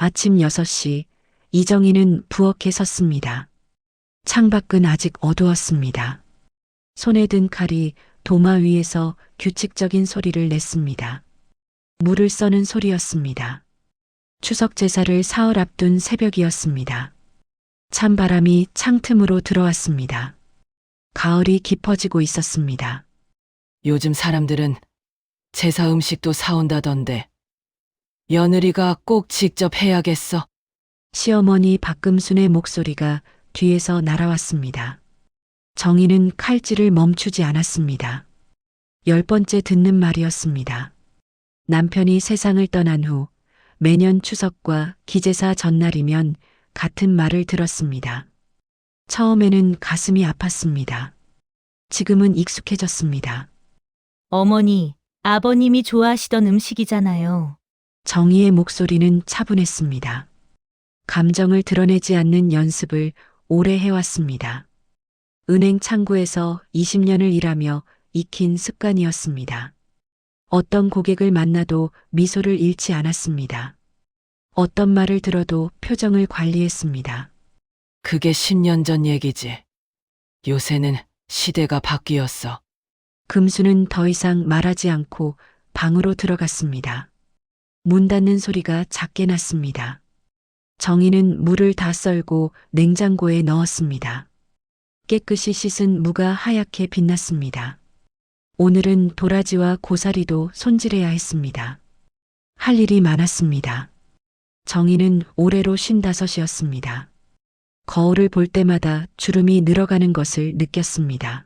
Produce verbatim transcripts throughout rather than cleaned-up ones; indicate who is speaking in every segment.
Speaker 1: 아침 여섯 시 이정희는 부엌에 섰습니다. 창밖은 아직 어두웠습니다. 손에 든 칼이 도마 위에서 규칙적인 소리를 냈습니다. 물을 써는 소리였습니다. 추석 제사를 사흘 앞둔 새벽이었습니다. 찬바람이 창틈으로 들어왔습니다. 가을이 깊어지고 있었습니다.
Speaker 2: 요즘 사람들은 제사 음식도 사온다던데 며느리가 꼭 직접 해야겠어.
Speaker 1: 시어머니 박금순의 목소리가 뒤에서 날아왔습니다. 정희는 칼질을 멈추지 않았습니다. 열 번째 듣는 말이었습니다. 남편이 세상을 떠난 후 매년 추석과 기제사 전날이면 같은 말을 들었습니다. 처음에는 가슴이 아팠습니다. 지금은 익숙해졌습니다.
Speaker 3: 어머니, 아버님이 좋아하시던 음식이잖아요.
Speaker 1: 정희의 목소리는 차분했습니다. 감정을 드러내지 않는 연습을 오래 해왔습니다. 은행 창구에서 이십 년을 일하며 익힌 습관이었습니다. 어떤 고객을 만나도 미소를 잃지 않았습니다. 어떤 말을 들어도 표정을 관리했습니다.
Speaker 2: 그게 십 년 전 얘기지. 요새는 시대가 바뀌었어.
Speaker 1: 금수는 더 이상 말하지 않고 방으로 들어갔습니다. 문 닫는 소리가 작게 났습니다. 정희는 물을 다 썰고 냉장고에 넣었습니다. 깨끗이 씻은 무가 하얗게 빛났습니다. 오늘은 도라지와 고사리도 손질해야 했습니다. 할 일이 많았습니다. 정희는 올해로 쉰다섯이었습니다. 거울을 볼 때마다 주름이 늘어가는 것을 느꼈습니다.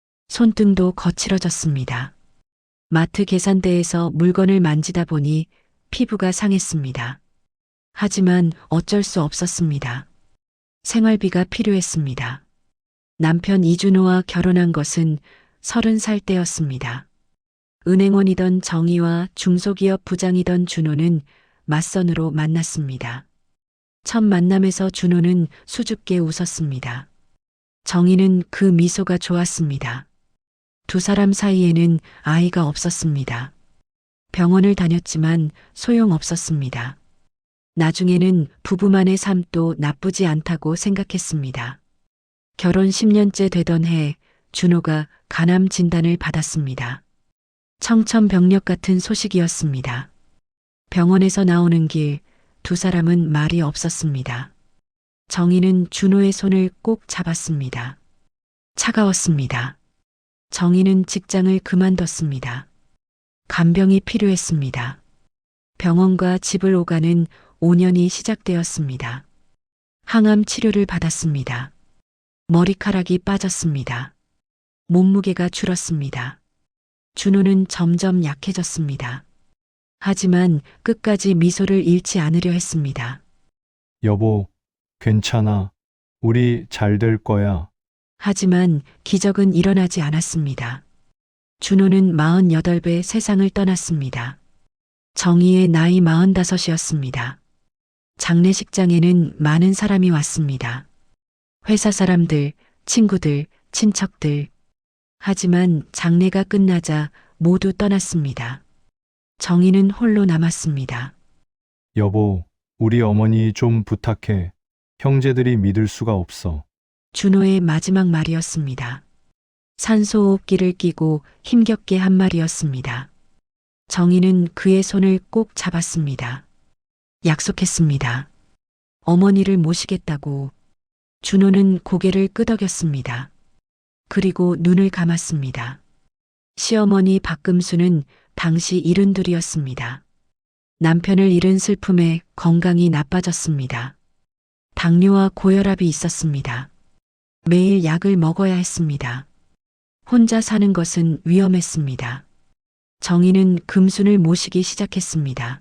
Speaker 1: 손등도 거칠어졌습니다. 마트 계산대에서 물건을 만지다 보니 피부가 상했습니다. 하지만 어쩔 수 없었습니다. 생활비가 필요했습니다. 남편 이준호와 결혼한 것은 서른 살 때였습니다. 은행원이던 정희와 중소기업 부장이던 준호는 맞선으로 만났습니다. 첫 만남에서 준호는 수줍게 웃었습니다. 정희는 그 미소가 좋았습니다. 두 사람 사이에는 아이가 없었습니다. 병원을 다녔지만 소용없었습니다. 나중에는 부부만의 삶도 나쁘지 않다고 생각했습니다. 결혼 십 년째 되던 해 준호가 간암 진단을 받았습니다. 청천벽력 같은 소식이었습니다. 병원에서 나오는 길 두 사람은 말이 없었습니다. 정희는 준호의 손을 꼭 잡았습니다. 차가웠습니다. 정희는 직장을 그만뒀습니다. 간병이 필요했습니다. 병원과 집을 오가는 오 년이 시작되었습니다. 항암 치료를 받았습니다. 머리카락이 빠졌습니다. 몸무게가 줄었습니다. 준호는 점점 약해졌습니다. 하지만 끝까지 미소를 잃지 않으려 했습니다.
Speaker 4: 여보, 괜찮아. 우리 잘 될 거야.
Speaker 1: 하지만 기적은 일어나지 않았습니다. 준호는 마흔여덟 배 세상을 떠났습니다. 정희의 나이 마흔다섯이었습니다. 장례식장에는 많은 사람이 왔습니다. 회사 사람들, 친구들, 친척들. 하지만 장례가 끝나자 모두 떠났습니다. 정희는 홀로 남았습니다.
Speaker 4: 여보, 우리 어머니 좀 부탁해. 형제들이 믿을 수가 없어.
Speaker 1: 준호의 마지막 말이었습니다. 산소호흡기를 끼고 힘겹게 한 말이었습니다. 정희는 그의 손을 꼭 잡았습니다. 약속했습니다. 어머니를 모시겠다고. 준호는 고개를 끄덕였습니다. 그리고 눈을 감았습니다. 시어머니 박금수는 당시 일흔둘이었습니다. 남편을 잃은 슬픔에 건강이 나빠졌습니다. 당뇨와 고혈압이 있었습니다. 매일 약을 먹어야 했습니다. 혼자 사는 것은 위험했습니다. 정희는 금순을 모시기 시작했습니다.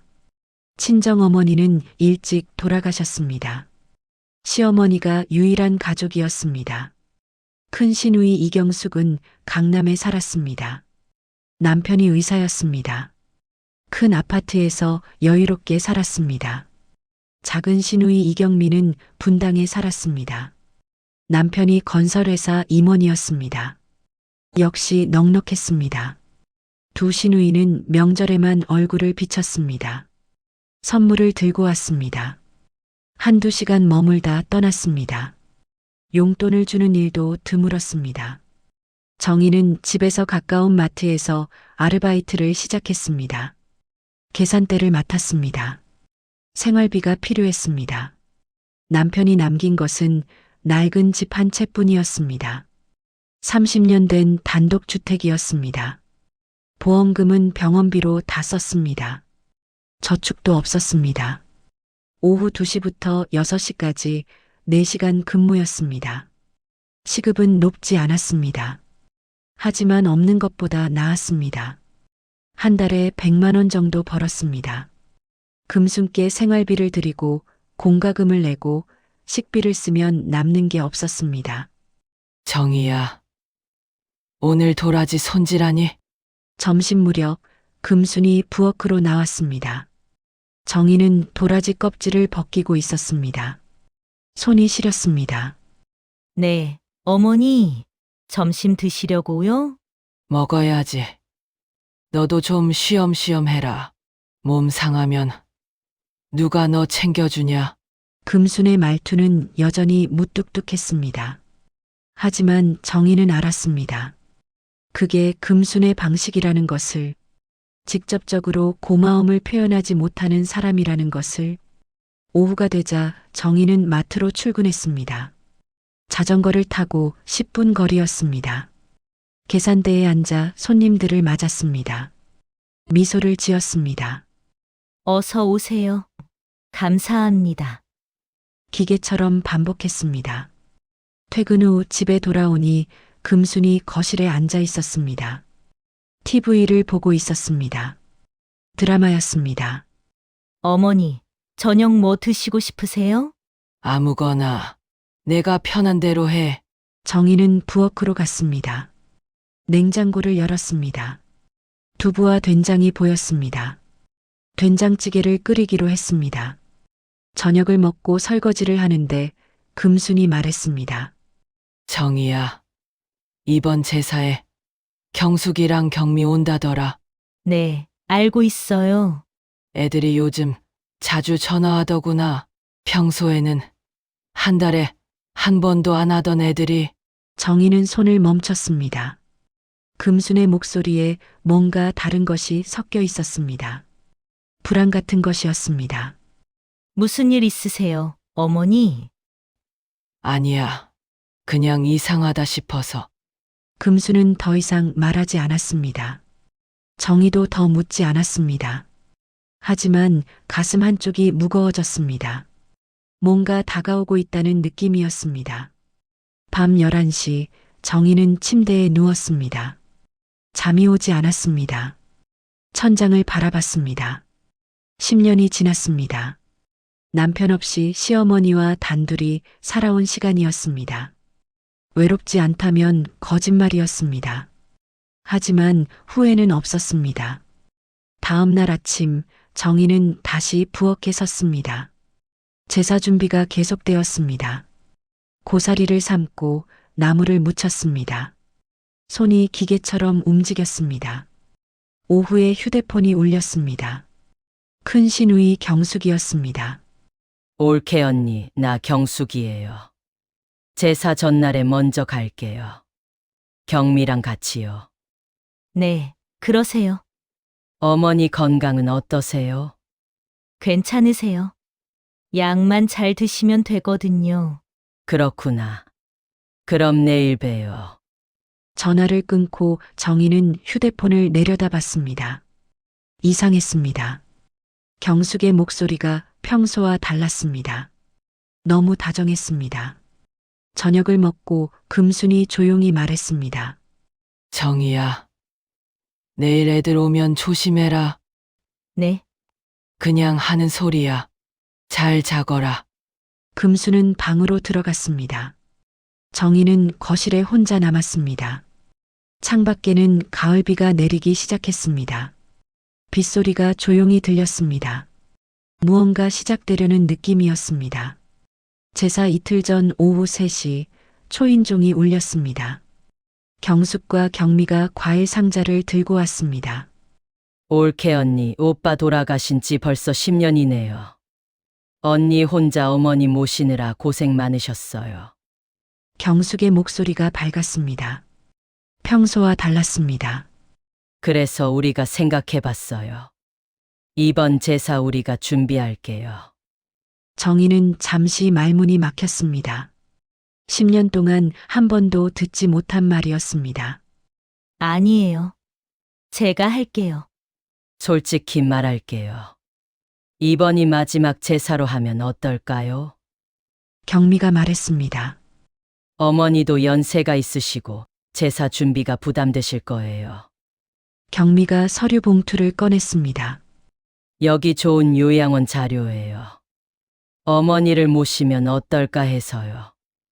Speaker 1: 친정어머니는 일찍 돌아가셨습니다. 시어머니가 유일한 가족이었습니다. 큰 시누이 이경숙은 강남에 살았습니다. 남편이 의사였습니다. 큰 아파트에서 여유롭게 살았습니다. 작은 시누이 이경미는 분당에 살았습니다. 남편이 건설회사 임원이었습니다. 역시 넉넉했습니다. 두 시누이는 명절에만 얼굴을 비쳤습니다. 선물을 들고 왔습니다. 한두 시간 머물다 떠났습니다. 용돈을 주는 일도 드물었습니다. 정희는 집에서 가까운 마트에서 아르바이트를 시작했습니다. 계산대를 맡았습니다. 생활비가 필요했습니다. 남편이 남긴 것은 낡은 집 한 채뿐이었습니다. 삼십 년 된 단독주택이었습니다. 보험금은 병원비로 다 썼습니다. 저축도 없었습니다. 오후 두 시부터 여섯 시까지 네 시간 근무였습니다. 시급은 높지 않았습니다. 하지만 없는 것보다 나았습니다. 한 달에 백만 원 정도 벌었습니다. 금순께 생활비를 드리고 공과금을 내고 식비를 쓰면 남는 게 없었습니다.
Speaker 2: 정희야, 오늘 도라지 손질하니?
Speaker 1: 점심 무렵 금순이 부엌으로 나왔습니다. 정희는 도라지 껍질을 벗기고 있었습니다. 손이 시렸습니다.
Speaker 3: 네, 어머니, 점심 드시려고요?
Speaker 2: 먹어야지. 너도 좀 쉬엄쉬엄 해라. 몸 상하면 누가 너 챙겨주냐?
Speaker 1: 금순의 말투는 여전히 무뚝뚝했습니다. 하지만 정희는 알았습니다. 그게 금순의 방식이라는 것을, 직접적으로 고마움을 표현하지 못하는 사람이라는 것을. 오후가 되자 정희는 마트로 출근했습니다. 자전거를 타고 십 분 거리였습니다. 계산대에 앉아 손님들을 맞았습니다. 미소를 지었습니다.
Speaker 3: 어서 오세요. 감사합니다.
Speaker 1: 기계처럼 반복했습니다. 퇴근 후 집에 돌아오니 금순이 거실에 앉아 있었습니다. 티비를 보고 있었습니다. 드라마였습니다.
Speaker 3: 어머니, 저녁 뭐 드시고 싶으세요?
Speaker 2: 아무거나 내가 편한 대로 해.
Speaker 1: 정희는 부엌으로 갔습니다. 냉장고를 열었습니다. 두부와 된장이 보였습니다. 된장찌개를 끓이기로 했습니다. 저녁을 먹고 설거지를 하는데 금순이 말했습니다.
Speaker 2: 정희야, 이번 제사에 경숙이랑 경미 온다더라.
Speaker 3: 네, 알고 있어요.
Speaker 2: 애들이 요즘 자주 전화하더구나. 평소에는 한 달에 한 번도 안 하던 애들이.
Speaker 1: 정희는 손을 멈췄습니다. 금순의 목소리에 뭔가 다른 것이 섞여 있었습니다. 불안 같은 것이었습니다.
Speaker 3: 무슨 일 있으세요, 어머니?
Speaker 2: 아니야, 그냥 이상하다 싶어서.
Speaker 1: 금순은 더 이상 말하지 않았습니다. 정희도 더 묻지 않았습니다. 하지만 가슴 한쪽이 무거워졌습니다. 뭔가 다가오고 있다는 느낌이었습니다. 밤 열한 시 정희는 침대에 누웠습니다. 잠이 오지 않았습니다. 천장을 바라봤습니다. 십 년이 지났습니다. 남편 없이 시어머니와 단둘이 살아온 시간이었습니다. 외롭지 않다면 거짓말이었습니다. 하지만 후회는 없었습니다. 다음 날 아침 정희는 다시 부엌에 섰습니다. 제사 준비가 계속되었습니다. 고사리를 삶고 나무를 묻혔습니다. 손이 기계처럼 움직였습니다. 오후에 휴대폰이 울렸습니다. 큰 시누이 경숙이었습니다.
Speaker 5: 올케 언니, 나 경숙이에요. 제사 전날에 먼저 갈게요. 경미랑 같이요.
Speaker 3: 네, 그러세요.
Speaker 5: 어머니 건강은 어떠세요?
Speaker 3: 괜찮으세요. 약만 잘 드시면 되거든요.
Speaker 5: 그렇구나. 그럼 내일 봬요.
Speaker 1: 전화를 끊고 정희는 휴대폰을 내려다봤습니다. 이상했습니다. 경숙의 목소리가 평소와 달랐습니다. 너무 다정했습니다. 저녁을 먹고 금순이 조용히 말했습니다.
Speaker 2: 정희야, 내일 애들 오면 조심해라.
Speaker 3: 네,
Speaker 2: 그냥 하는 소리야. 잘 자거라.
Speaker 1: 금수는 방으로 들어갔습니다. 정희는 거실에 혼자 남았습니다. 창밖에는 가을비가 내리기 시작했습니다. 빗소리가 조용히 들렸습니다. 무언가 시작되려는 느낌이었습니다. 제사 이틀 전 오후 세 시 초인종이 울렸습니다. 경숙과 경미가 과일 상자를 들고 왔습니다.
Speaker 5: 올케 언니, 오빠 돌아가신 지 벌써 십 년이네요. 언니 혼자 어머니 모시느라 고생 많으셨어요.
Speaker 1: 경숙의 목소리가 밝았습니다. 평소와 달랐습니다.
Speaker 5: 그래서 우리가 생각해 봤어요. 이번 제사 우리가 준비할게요.
Speaker 1: 정희는 잠시 말문이 막혔습니다. 십 년 동안 한 번도 듣지 못한 말이었습니다.
Speaker 3: 아니에요. 제가 할게요.
Speaker 5: 솔직히 말할게요. 이번이 마지막 제사로 하면 어떨까요?
Speaker 1: 경미가 말했습니다.
Speaker 5: 어머니도 연세가 있으시고 제사 준비가 부담되실 거예요.
Speaker 1: 경미가 서류 봉투를 꺼냈습니다.
Speaker 5: 여기 좋은 요양원 자료예요. 어머니를 모시면 어떨까 해서요.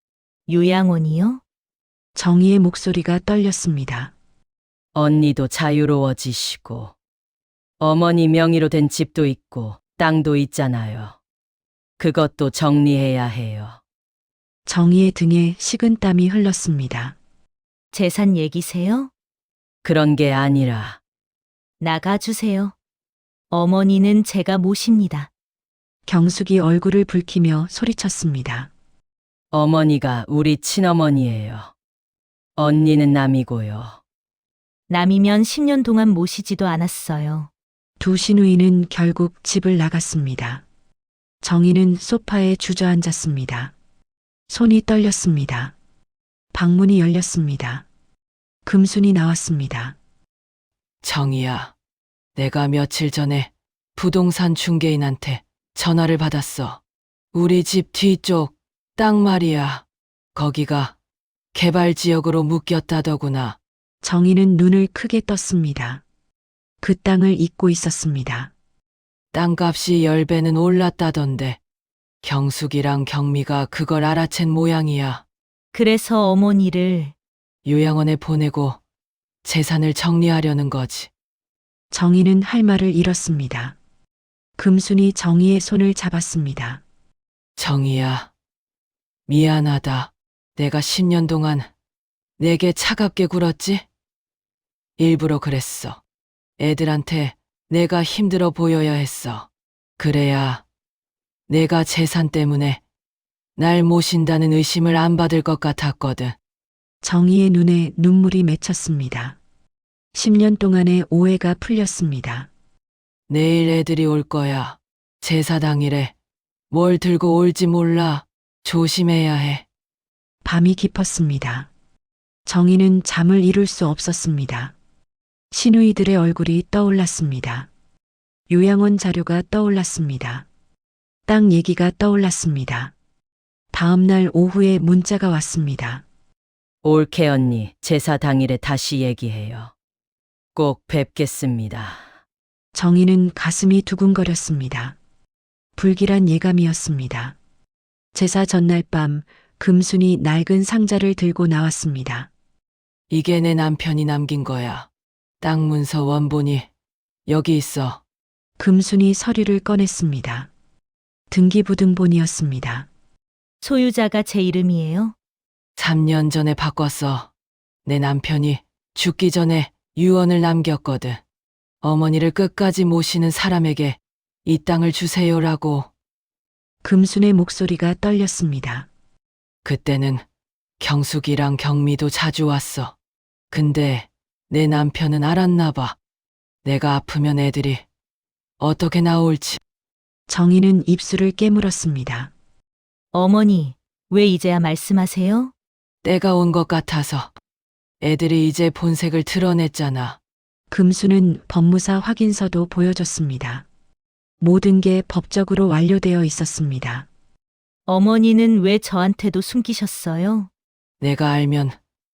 Speaker 3: 요양원이요?
Speaker 1: 정희의 목소리가 떨렸습니다.
Speaker 5: 언니도 자유로워지시고 어머니 명의로 된 집도 있고 땅도 있잖아요. 그것도 정리해야 해요.
Speaker 1: 정희의 등에 식은땀이 흘렀습니다.
Speaker 3: 재산 얘기세요?
Speaker 5: 그런 게 아니라
Speaker 3: 나가주세요. 어머니는 제가 모십니다.
Speaker 1: 경숙이 얼굴을 붉히며 소리쳤습니다.
Speaker 5: 어머니가 우리 친어머니예요. 언니는 남이고요.
Speaker 3: 남이면 십 년 동안 모시지도 않았어요.
Speaker 1: 두 시누이는 결국 집을 나갔습니다. 정희는 소파에 주저앉았습니다. 손이 떨렸습니다. 방문이 열렸습니다. 금순이 나왔습니다.
Speaker 2: 정희야, 내가 며칠 전에 부동산 중개인한테 전화를 받았어. 우리 집 뒤쪽 땅 말이야. 거기가 개발 지역으로 묶였다더구나.
Speaker 1: 정희는 눈을 크게 떴습니다. 그 땅을 잊고 있었습니다.
Speaker 2: 땅값이 열 배는 올랐다던데 경숙이랑 경미가 그걸 알아챈 모양이야.
Speaker 3: 그래서 어머니를
Speaker 2: 요양원에 보내고 재산을 정리하려는 거지.
Speaker 1: 정희는 할 말을 잃었습니다. 금순이 정희의 손을 잡았습니다.
Speaker 2: 정희야, 미안하다. 내가 십 년 동안 내게 차갑게 굴었지? 일부러 그랬어. 애들한테 내가 힘들어 보여야 했어. 그래야 내가 재산 때문에 날 모신다는 의심을 안 받을 것 같았거든.
Speaker 1: 정희의 눈에 눈물이 맺혔습니다. 십 년 동안의 오해가 풀렸습니다.
Speaker 2: 내일 애들이 올 거야. 제사 당일에 뭘 들고 올지 몰라. 조심해야 해.
Speaker 1: 밤이 깊었습니다. 정희는 잠을 이룰 수 없었습니다. 시누이들의 얼굴이 떠올랐습니다. 요양원 자료가 떠올랐습니다. 땅 얘기가 떠올랐습니다. 다음 날 오후에 문자가 왔습니다.
Speaker 5: 올케 언니, 제사 당일에 다시 얘기해요. 꼭 뵙겠습니다.
Speaker 1: 정희는 가슴이 두근거렸습니다. 불길한 예감이었습니다. 제사 전날 밤 금순이 낡은 상자를 들고 나왔습니다.
Speaker 2: 이게 내 남편이 남긴 거야. 땅 문서 원본이 여기 있어.
Speaker 1: 금순이 서류를 꺼냈습니다. 등기부등본이었습니다.
Speaker 3: 소유자가 제 이름이에요.
Speaker 2: 삼 년 전에 바꿨어. 내 남편이 죽기 전에 유언을 남겼거든. 어머니를 끝까지 모시는 사람에게 이 땅을 주세요라고.
Speaker 1: 금순의 목소리가 떨렸습니다.
Speaker 2: 그때는 경숙이랑 경미도 자주 왔어. 근데 내 남편은 알았나 봐. 내가 아프면 애들이 어떻게 나올지.
Speaker 1: 정희는 입술을 깨물었습니다.
Speaker 3: 어머니, 왜 이제야 말씀하세요?
Speaker 2: 때가 온 것 같아서. 애들이 이제 본색을 드러냈잖아.
Speaker 1: 금수는 법무사 확인서도 보여줬습니다. 모든 게 법적으로 완료되어 있었습니다.
Speaker 3: 어머니는 왜 저한테도 숨기셨어요?
Speaker 2: 내가 알면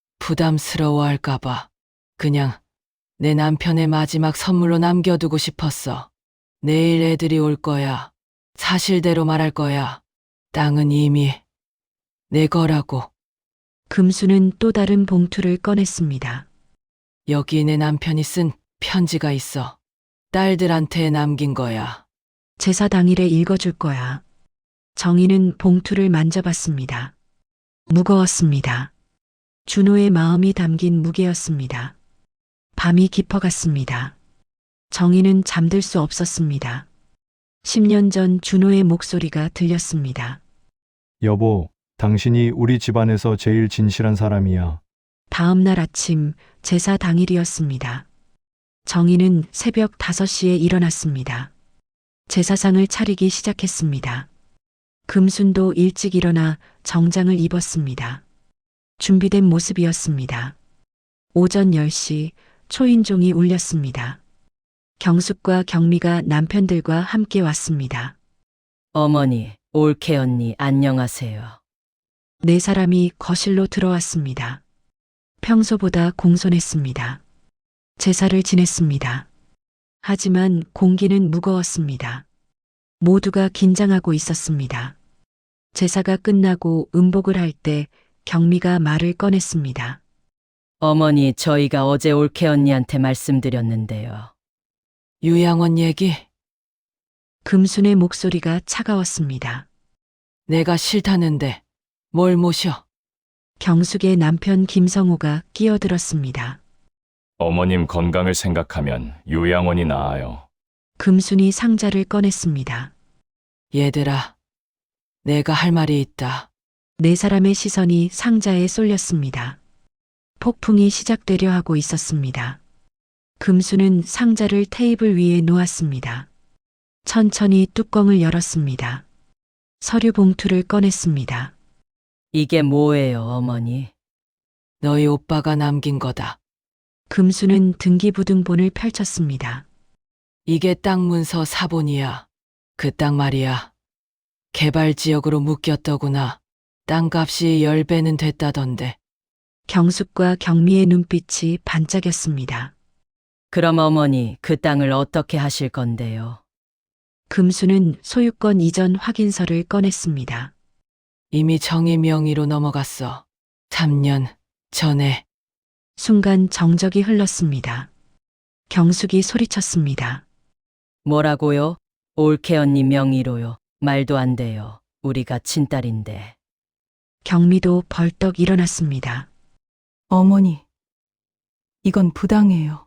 Speaker 2: 부담스러워할까봐. 그냥 내 남편의 마지막 선물로 남겨두고 싶었어. 내일 애들이 올 거야. 사실대로 말할 거야. 땅은 이미 내 거라고.
Speaker 1: 금수는 또 다른 봉투를 꺼냈습니다.
Speaker 2: 여기 내 남편이 쓴 편지가 있어. 딸들한테 남긴 거야.
Speaker 1: 제사 당일에 읽어줄 거야. 정희는 봉투를 만져봤습니다. 무거웠습니다. 준호의 마음이 담긴 무게였습니다. 밤이 깊어갔습니다. 정희는 잠들 수 없었습니다. 십 년 전 준호의 목소리가 들렸습니다.
Speaker 4: 여보, 당신이 우리 집안에서 제일 진실한 사람이야.
Speaker 1: 다음 날 아침 제사 당일이었습니다. 정희는 새벽 다섯 시에 일어났습니다. 제사상을 차리기 시작했습니다. 금순도 일찍 일어나 정장을 입었습니다. 준비된 모습이었습니다. 오전 열 시 초인종이 울렸습니다. 경숙과 경미가 남편들과 함께 왔습니다.
Speaker 5: 어머니, 올케 언니, 안녕하세요.
Speaker 1: 네 사람이 거실로 들어왔습니다. 평소보다 공손했습니다. 제사를 지냈습니다. 하지만 공기는 무거웠습니다. 모두가 긴장하고 있었습니다. 제사가 끝나고 음복을 할 때 경미가 말을 꺼냈습니다.
Speaker 5: 어머니, 저희가 어제 올케 언니한테 말씀드렸는데요.
Speaker 2: 유양원 얘기?
Speaker 1: 금순의 목소리가 차가웠습니다.
Speaker 2: 내가 싫다는데 뭘 모셔?
Speaker 1: 경숙의 남편 김성호가 끼어들었습니다.
Speaker 6: 어머님 건강을 생각하면 요양원이 나아요.
Speaker 1: 금순이 상자를 꺼냈습니다.
Speaker 2: 얘들아, 내가 할 말이 있다.
Speaker 1: 네 사람의 시선이 상자에 쏠렸습니다. 폭풍이 시작되려 하고 있었습니다. 금수는 상자를 테이블 위에 놓았습니다. 천천히 뚜껑을 열었습니다. 서류 봉투를 꺼냈습니다.
Speaker 5: 이게 뭐예요, 어머니?
Speaker 2: 너희 오빠가 남긴 거다.
Speaker 1: 금수는 등기부등본을 펼쳤습니다.
Speaker 2: 이게 땅 문서 사본이야. 그 땅 말이야. 개발 지역으로 묶였더구나. 땅값이 열 배는 됐다던데.
Speaker 1: 경숙과 경미의 눈빛이 반짝였습니다.
Speaker 5: 그럼 어머니, 그 땅을 어떻게 하실 건데요?
Speaker 1: 금수는 소유권 이전 확인서를 꺼냈습니다.
Speaker 2: 이미 정의 명의로 넘어갔어. 삼 년 전에.
Speaker 1: 순간 정적이 흘렀습니다. 경숙이 소리쳤습니다.
Speaker 5: 뭐라고요? 올케 언니 명의로요. 말도 안 돼요. 우리가 친딸인데.
Speaker 1: 경미도 벌떡 일어났습니다.
Speaker 7: 어머니, 이건 부당해요.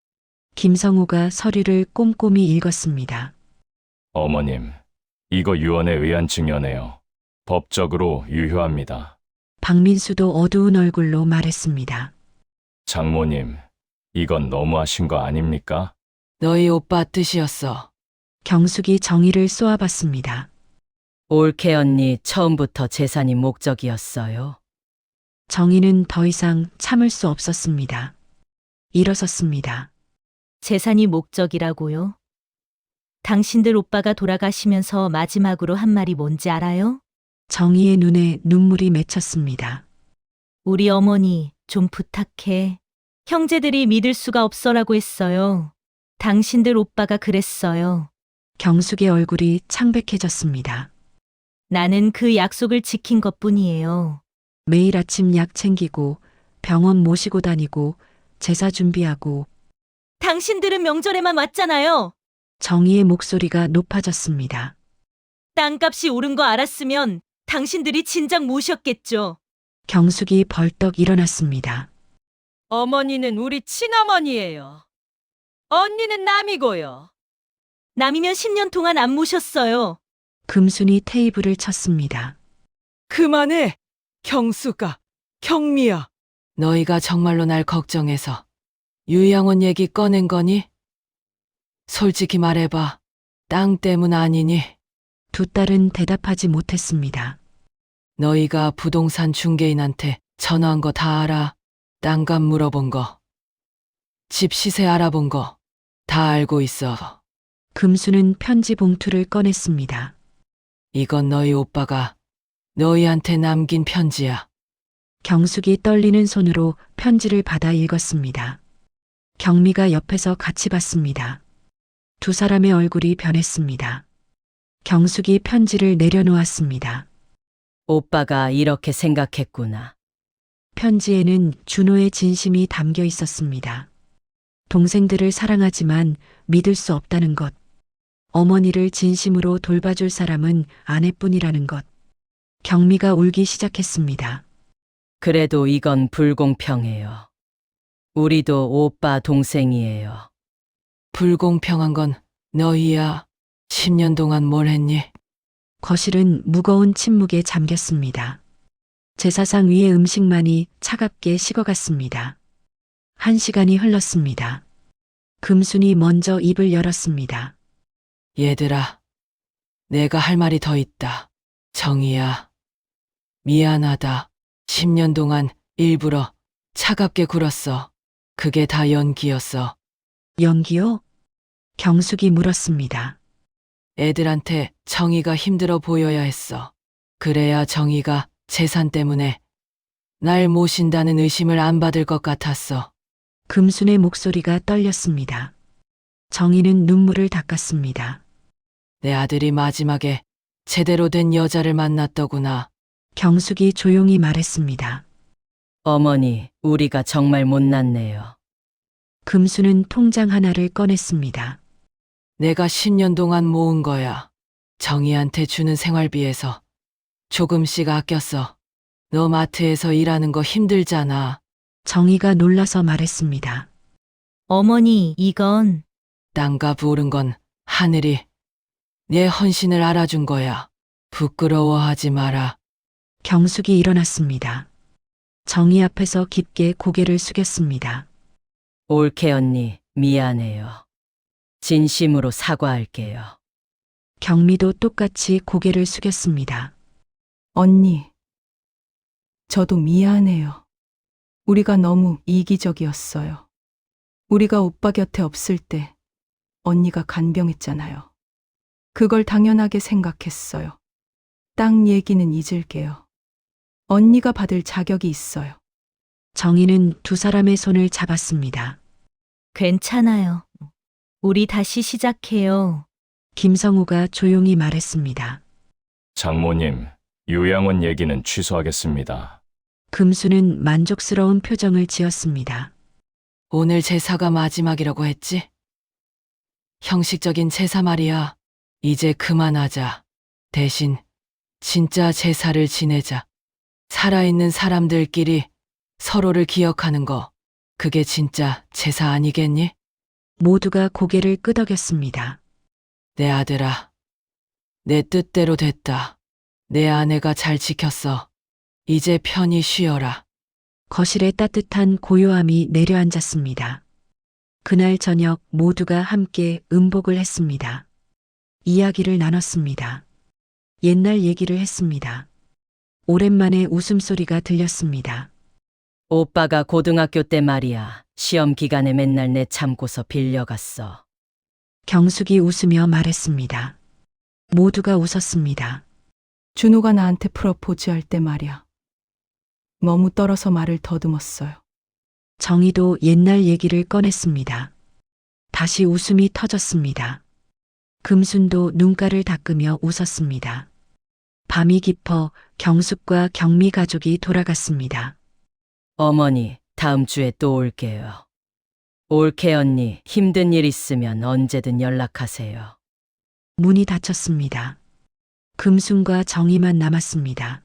Speaker 1: 김성우가 서류를 꼼꼼히 읽었습니다.
Speaker 6: 어머님, 이거 유언에 의한 증여네요. 법적으로 유효합니다.
Speaker 1: 박민수도 어두운 얼굴로 말했습니다.
Speaker 6: 장모님, 이건 너무하신 거 아닙니까?
Speaker 2: 너희 오빠 뜻이었어.
Speaker 1: 경숙이 정의를 쏘아봤습니다.
Speaker 5: 올케 언니 처음부터 재산이 목적이었어요.
Speaker 1: 정의는 더 이상 참을 수 없었습니다. 일어섰습니다.
Speaker 3: 재산이 목적이라고요? 당신들 오빠가 돌아가시면서 마지막으로 한 말이 뭔지 알아요?
Speaker 1: 정의의 눈에 눈물이 맺혔습니다.
Speaker 3: 우리 어머니 좀 부탁해. 형제들이 믿을 수가 없어라고 했어요. 당신들 오빠가 그랬어요.
Speaker 1: 경숙의 얼굴이 창백해졌습니다.
Speaker 3: 나는 그 약속을 지킨 것뿐이에요.
Speaker 1: 매일 아침 약 챙기고 병원 모시고 다니고 제사 준비하고
Speaker 3: 당신들은 명절에만 왔잖아요.
Speaker 1: 정의의 목소리가 높아졌습니다.
Speaker 3: 땅값이 오른 거 알았으면 당신들이 진작 모셨겠죠.
Speaker 1: 경숙이 벌떡 일어났습니다.
Speaker 5: 어머니는 우리 친어머니예요. 언니는 남이고요.
Speaker 3: 남이면 십 년 동안 안 모셨어요.
Speaker 1: 금순이 테이블을 쳤습니다.
Speaker 2: 그만해. 경수가, 경미야. 너희가 정말로 날 걱정해서 유양원 얘기 꺼낸 거니? 솔직히 말해봐. 땅 때문 아니니?
Speaker 1: 두 딸은 대답하지 못했습니다.
Speaker 2: 너희가 부동산 중개인한테 전화한 거 다 알아. 땅값 물어본 거. 집 시세 알아본 거. 다 알고 있어.
Speaker 1: 금수는 편지 봉투를 꺼냈습니다.
Speaker 2: 이건 너희 오빠가 너희한테 남긴 편지야.
Speaker 1: 경숙이 떨리는 손으로 편지를 받아 읽었습니다. 경미가 옆에서 같이 봤습니다. 두 사람의 얼굴이 변했습니다. 경숙이 편지를 내려놓았습니다.
Speaker 5: 오빠가 이렇게 생각했구나.
Speaker 1: 편지에는 준호의 진심이 담겨 있었습니다. 동생들을 사랑하지만 믿을 수 없다는 것. 어머니를 진심으로 돌봐줄 사람은 아내뿐이라는 것. 경미가 울기 시작했습니다.
Speaker 5: 그래도 이건 불공평해요. 우리도 오빠 동생이에요.
Speaker 2: 불공평한 건 너희야. 십 년 동안 뭘 했니?
Speaker 1: 거실은 무거운 침묵에 잠겼습니다. 제사상 위의 음식만이 차갑게 식어갔습니다. 한 시간이 흘렀습니다. 금순이 먼저 입을 열었습니다.
Speaker 2: 얘들아, 내가 할 말이 더 있다. 정희야, 미안하다. 십 년 동안 일부러 차갑게 굴었어. 그게 다 연기였어.
Speaker 1: 연기요? 경숙이 물었습니다.
Speaker 2: 애들한테 정희가 힘들어 보여야 했어. 그래야 정희가 재산 때문에 날 모신다는 의심을 안 받을 것 같았어.
Speaker 1: 금순의 목소리가 떨렸습니다. 정희는 눈물을 닦았습니다.
Speaker 2: 내 아들이 마지막에 제대로 된 여자를 만났더구나.
Speaker 1: 경숙이 조용히 말했습니다.
Speaker 5: 어머니, 우리가 정말 못났네요.
Speaker 1: 금수는 통장 하나를 꺼냈습니다.
Speaker 2: 내가 십 년 동안 모은 거야. 정희한테 주는 생활비에서 조금씩 아꼈어. 너 마트에서 일하는 거 힘들잖아.
Speaker 1: 정희가 놀라서 말했습니다.
Speaker 3: 어머니, 이건
Speaker 2: 땅과 부른 건 하늘이 내 헌신을 알아준 거야. 부끄러워하지 마라.
Speaker 1: 경숙이 일어났습니다. 정희 앞에서 깊게 고개를 숙였습니다.
Speaker 5: 올케 언니, 미안해요. 진심으로 사과할게요.
Speaker 1: 경미도 똑같이 고개를 숙였습니다.
Speaker 7: 언니, 저도 미안해요. 우리가 너무 이기적이었어요. 우리가 오빠 곁에 없을 때 언니가 간병했잖아요. 그걸 당연하게 생각했어요. 땅 얘기는 잊을게요. 언니가 받을 자격이 있어요.
Speaker 1: 정희는 두 사람의 손을 잡았습니다.
Speaker 3: 괜찮아요. 우리 다시 시작해요.
Speaker 1: 김성우가 조용히 말했습니다.
Speaker 6: 장모님, 요양원 얘기는 취소하겠습니다.
Speaker 1: 금수는 만족스러운 표정을 지었습니다.
Speaker 2: 오늘 제사가 마지막이라고 했지? 형식적인 제사 말이야. 이제 그만하자. 대신 진짜 제사를 지내자. 살아있는 사람들끼리 서로를 기억하는 거. 그게 진짜 제사 아니겠니?
Speaker 1: 모두가 고개를 끄덕였습니다.
Speaker 2: 내 아들아. 내 뜻대로 됐다. 내 아내가 잘 지켰어. 이제 편히 쉬어라.
Speaker 1: 거실에 따뜻한 고요함이 내려앉았습니다. 그날 저녁 모두가 함께 음복을 했습니다. 이야기를 나눴습니다. 옛날 얘기를 했습니다. 오랜만에 웃음소리가 들렸습니다.
Speaker 5: 오빠가 고등학교 때 말이야. 시험 기간에 맨날 내 참고서 빌려갔어.
Speaker 1: 경숙이 웃으며 말했습니다. 모두가 웃었습니다.
Speaker 7: 준호가 나한테 프로포즈 할 때 말이야. 너무 떨어서 말을 더듬었어요.
Speaker 1: 정희도 옛날 얘기를 꺼냈습니다. 다시 웃음이 터졌습니다. 금순도 눈가를 닦으며 웃었습니다. 밤이 깊어 경숙과 경미 가족이 돌아갔습니다.
Speaker 5: 어머니, 다음 주에 또 올게요. 올케 언니, 힘든 일 있으면 언제든 연락하세요.
Speaker 1: 문이 닫혔습니다. 금순과 정희만 남았습니다.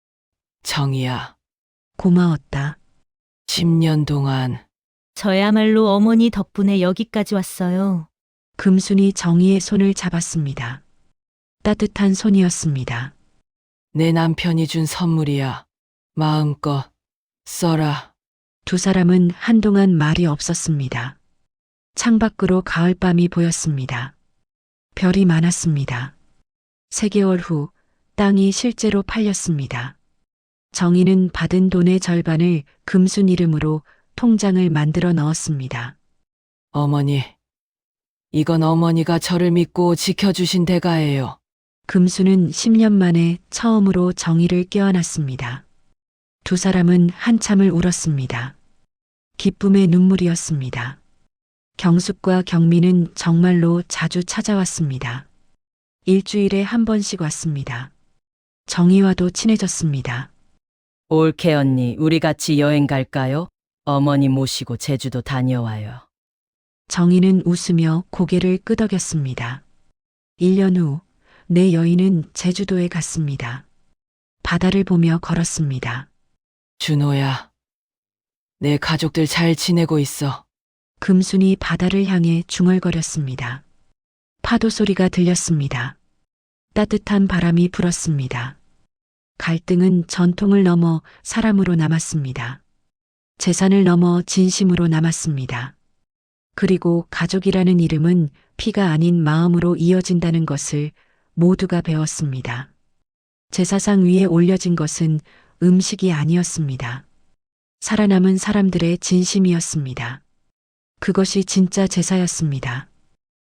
Speaker 2: 정희야.
Speaker 1: 고마웠다.
Speaker 2: 십 년 동안
Speaker 3: 저야말로 어머니 덕분에 여기까지 왔어요.
Speaker 1: 금순이 정희의 손을 잡았습니다. 따뜻한 손이었습니다.
Speaker 2: 내 남편이 준 선물이야. 마음껏 써라.
Speaker 1: 두 사람은 한동안 말이 없었습니다. 창밖으로 가을밤이 보였습니다. 별이 많았습니다. 세 개월 후 땅이 실제로 팔렸습니다. 정희는 받은 돈의 절반을 금순 이름으로 통장을 만들어 넣었습니다.
Speaker 2: 어머니. 이건 어머니가 저를 믿고 지켜주신 대가예요.
Speaker 1: 금수는 십 년 만에 처음으로 정희를 껴안았습니다. 두 사람은 한참을 울었습니다. 기쁨의 눈물이었습니다. 경숙과 경미는 정말로 자주 찾아왔습니다. 일주일에 한 번씩 왔습니다. 정희와도 친해졌습니다.
Speaker 5: 올케 언니, 우리 같이 여행 갈까요? 어머니 모시고 제주도 다녀와요.
Speaker 1: 정희는 웃으며 고개를 끄덕였습니다. 일 년 후 내 여인은 제주도에 갔습니다. 바다를 보며 걸었습니다.
Speaker 2: 준호야. 내 가족들 잘 지내고 있어.
Speaker 1: 금순이 바다를 향해 중얼거렸습니다. 파도 소리가 들렸습니다. 따뜻한 바람이 불었습니다. 갈등은 전통을 넘어 사람으로 남았습니다. 재산을 넘어 진심으로 남았습니다. 그리고 가족이라는 이름은 피가 아닌 마음으로 이어진다는 것을 모두가 배웠습니다. 제사상 위에 올려진 것은 음식이 아니었습니다. 살아남은 사람들의 진심이었습니다. 그것이 진짜 제사였습니다.